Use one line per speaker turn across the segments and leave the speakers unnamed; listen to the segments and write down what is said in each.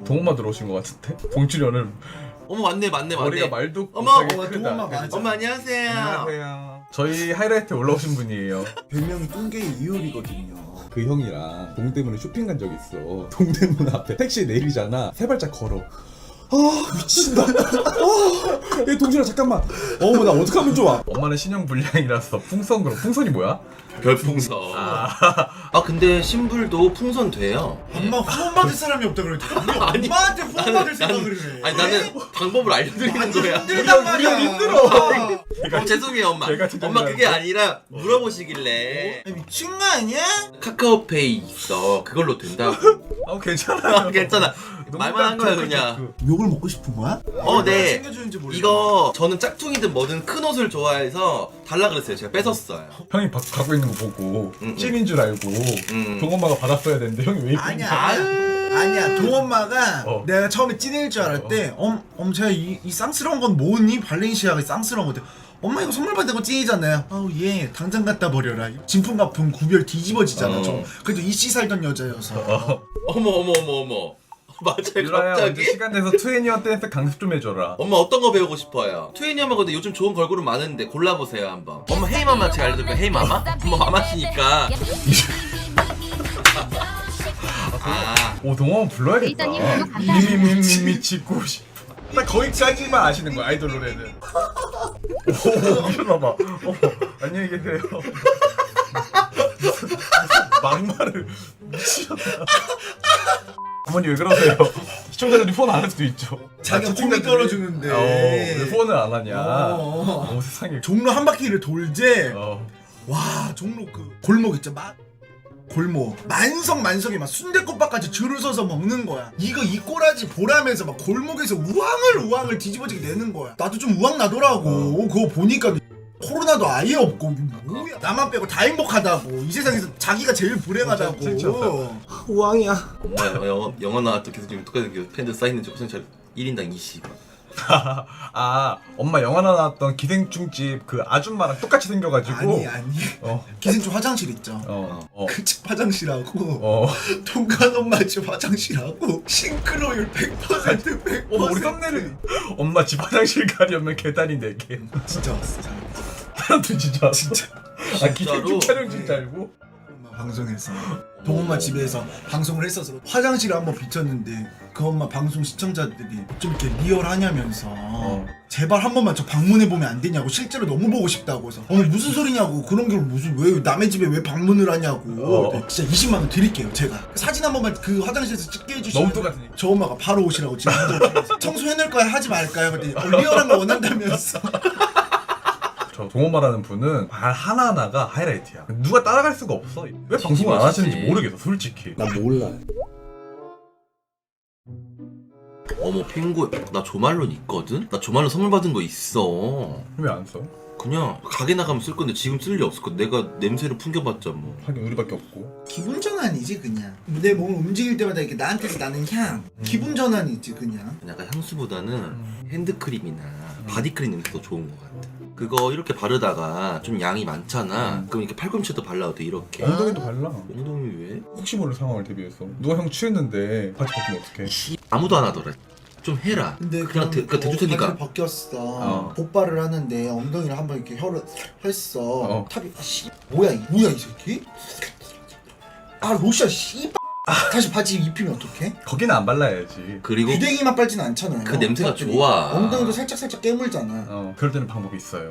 동엄마 들어오신 것 같은데? 봉출연을
어머 맞네.
머리가 말도
어머,
못하게 크다.
동엄마 맞아.
엄마 안녕하세요.
안녕하세요. 저희 하이라이트에 올라오신 분이에요.
별명이 뚱개의 이효리거든요.
그 형이랑 동대문에 쇼핑 간 적 있어. 동대문 앞에 택시 내리잖아. 세 발짝 걸어. 아 미친다. 얘 동준아 잠깐만. 어머 나 어떡하면 좋아.
엄마는 신형 불량이라서 풍선 그럼 풍선이 뭐야?
별풍선. 아 근데 신불도 풍선 돼요.
엄마 후원 받을 사람이 없다 그래.
아니,
엄마한테 후원 받을 생각을 해.
아니 나는 방법을 알려드리는 거야.
힘들단 말이야.
힘들어. 죄송해요 엄마.
제가 진짜
엄마 그게 아니라 물어보시길래
미친 거 아니야?
카카오페이 있어. 그걸로 된다고.
괜찮아요.
괜찮아. 말만 한 거야 그냥.
욕을 먹고 싶은 거야?
네.
챙겨주는지 모르겠어.
이거 저는 짝퉁이든 뭐든 큰 옷을 좋아해서 달라 그랬어요. 제가 뺏었어요.
형이 갖고 있는 거 보고
응.
찐인 줄 알고 동엄마가 받았어야 되는데 형이 왜 입고 있는 거야?
아니야 동엄마가 내가 처음에 찐일 줄 알았대. 제가 이 쌍스러운 건 뭐니? 발렌시아가 쌍스러운 건데 엄마 이거 선물 받은 거 찐이잖아요. 아우 얘 당장 갖다 버려라. 진품가품 구별 뒤집어지잖아. 저 그래도 이씨 살던 여자여서.
어머. 맞아요
유라야 언제
갑자기?
시간 내서 트웬티원 댄스 강습 좀 해줘라.
엄마 어떤 거 배우고 싶어요? 트윈이엄마 근데 요즘 좋은 걸그룹 많은데 골라보세요 한번. 엄마 헤이마마 제가 알려드릴까요? 헤이마마? 엄마 마마시니까.
오 동엄마 불러야겠다.
데이터님 구독 감사합니다.
미치고 딱 거기까지만 아시는 거야 아이돌 노래는. 오 일어나봐. 안녕히 계세요. 무슨 막말을 미치셨다. 어머니 왜 그러세요? 시청자들이 폰 안 할 수도 있죠.
자기가
채팅창들이-
고기 떨어주는데.
왜 폰을 안 하냐.
어.
세상에.
종로 한 바퀴를 돌제.
어.
와 종로 그 골목 있죠 골목 만석에 막 순댓국밥까지 줄을 서서 먹는 거야. 이거 이 꼬라지 보라면서 막 골목에서 우왕을 뒤집어지게 내는 거야. 나도 좀 우왕 나더라고. 그거 보니까 코로나도 아예 없고 뭐야 나만 빼고 다 행복하다고. 이 세상에서 자기가 제일 불행하다고.
진짜.
우왕이야.
엄마 영화 나왔던 계속 지금 똑같은 팬들 쌓이는지 호생철 1인당 20.
엄마 영화 나왔던 기생충집 그 아줌마랑 똑같이 생겨가지고.
아니
어.
기생충 화장실 있죠. 그 집 화장실하고 동간 엄마 집 화장실하고 싱크로율 100%
우리 썸네일은 엄마 집 화장실 가려면 계단이 4개.
진짜 왔어.
사람들 진짜.
진짜.
기생충 촬영진 줄 알고.
엄마 방송에서 동엄마 집에서 방송을 했어서 화장실을 한번 비쳤는데 그 엄마 방송 시청자들이 좀 이렇게 리얼하냐면서 제발 한 번만 저 방문해보면 안 되냐고. 실제로 너무 보고 싶다고 해서 무슨 소리냐고. 그런 걸 무슨 왜 남의 집에 왜 방문을 하냐고. 진짜 20만 원 드릴게요 제가. 사진 한 번만 그 화장실에서 찍게 해주시면
너무 똑같으니까.
저 엄마가 바로 오시라고 지금 청소해낼 거야 하지 말까요? 그랬더니 리얼한 거 원한다면서.
저 동엄마라는 분은 말 하나하나가 하이라이트야. 누가 따라갈 수가 없어. 왜 방송을 안 하시는지 모르겠어 솔직히.
나 몰라.
어머 펭구 나 조말론 있거든? 나 조말론 선물 받은 거 있어.
왜 안 써?
그냥 가게 나가면 쓸 건데 지금 쓸 일 없을 거. 내가 냄새를 풍겨봤자 뭐.
하긴 우리밖에 없고.
기분 전환이지 그냥. 내 몸을 움직일 때마다 이렇게 나한테서 나는 향. 기분 전환이지 그냥.
약간 향수보다는 핸드크림이나 바디크림 냄새 더 좋은 것 같아. 그거 이렇게 바르다가 좀 양이 많잖아. 그럼 이렇게 팔꿈치에도 발라도 돼 이렇게.
엉덩이도 발라.
엉덩이 왜?
혹시 모를 상황을 대비해서. 누가 형 취했는데 바지 벗기면 어떡해.
아무도 안 하더라. 좀 해라.
근데
그냥 그 대줄 테니까.
바지를 벗겼어. 복발을 하는데 엉덩이를 한번 이렇게 혀를 했어. 탑이 뭐야 이 새끼? 로션 씨. 다시 바지 입히면 어떡해?
거기는 안 발라야지.
그리고
귀댕이만 빨진 않잖아요.
그 냄새가
사람들이.
좋아.
엉덩이도 살짝 깨물잖아.
그럴 때는 방법이 있어요.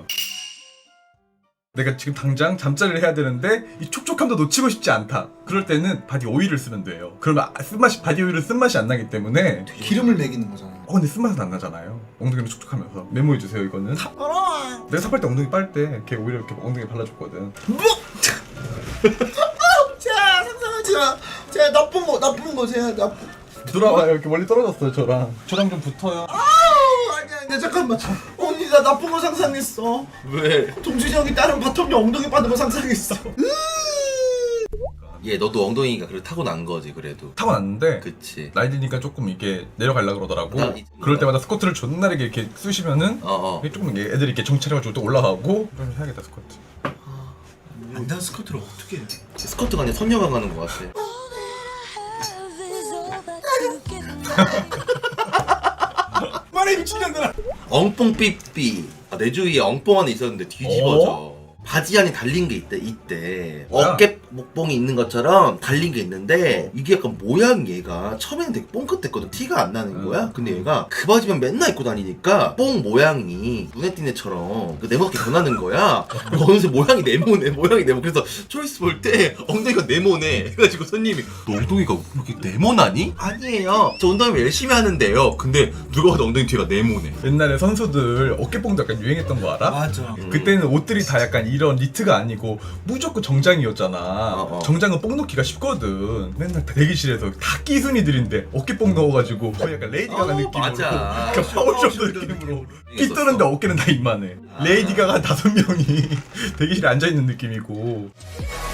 내가 지금 당장 잠자리를 해야 되는데 이 촉촉함도 놓치고 싶지 않다. 그럴 때는 바디 오일을 쓰면 돼요. 그러면 바디 오일은 쓴맛이 안 나기 때문에.
기름을 먹이는 거잖아.
근데 쓴맛은 안 나잖아요. 엉덩이는 촉촉하면서. 메모해주세요 이거는. 내가 삽할 때 엉덩이 빨 때 걔 오히려 이렇게 엉덩이 발라줬거든.
자 상상하지 마. 제가 나쁜 거 제가 나쁜.
돌아봐요. 이렇게 멀리 떨어졌어요 저랑 좀 붙어요.
아니야 잠깐만. 언니 나 나쁜 거 상상했어.
왜?
동준이 형이 다른 바텀이 엉덩이 빠는 거 상상했어.
얘 너도 엉덩이가 그래 타고난 거지 그래도.
타고났는데
그치.
나이 드니까 조금 이게 내려가려고 그러더라고.
나
그럴 때마다 스쿼트를 존나게 이렇게 쑤시면은 이게 조금 이게 애들이 이렇게 정찰해가지고 또 올라가고. 좀 해야겠다 스쿼트.
안단 스커트를 어떻게 해?
스커트가 아니라 선녀가 가는 거 같아.
말해 미친년들아.
엉뽕 삐삐. 내 주위에 엉뽕 하나 있었는데 뒤집어져. 바지 안에 달린 게 있대 이때.
뭐야?
어깨 목봉이 있는 것처럼 달린 게 있는데 이게 약간 모양 얘가 처음에는 되게 뽕긋했거든. 티가 안 나는 거야. 근데 얘가 그 바지만 맨날 입고 다니니까 뽕 모양이 눈에 띄는 애처럼 그 네모나게 변하는 거야. 그리고 어느새 모양이 네모네. 그래서 초이스 볼 때 엉덩이가 네모네. 그래가지고 손님이 너 엉덩이가 이렇게 네모나니? 아니에요. 저 운동 열심히 하는데요. 근데 누가 봐도 엉덩이 뒤가 네모네.
옛날에 선수들 어깨뽕도 약간 유행했던 거 알아?
맞아.
그때는 옷들이 다 약간 이런 니트가 아니고 무조건 정장이었잖아. 정장은 뽕 넣기가 쉽거든. 맨날 대기실에서 다 끼순이들인데 어깨뽕 넣어가지고 거의 약간 레이디 가가 느낌으로
맞아.
그러니까 파워쇼도 느낌으로 끼 뜨는데 어깨는 다 이만해. 레이디 가가 5명이 대기실에 앉아있는 느낌이고.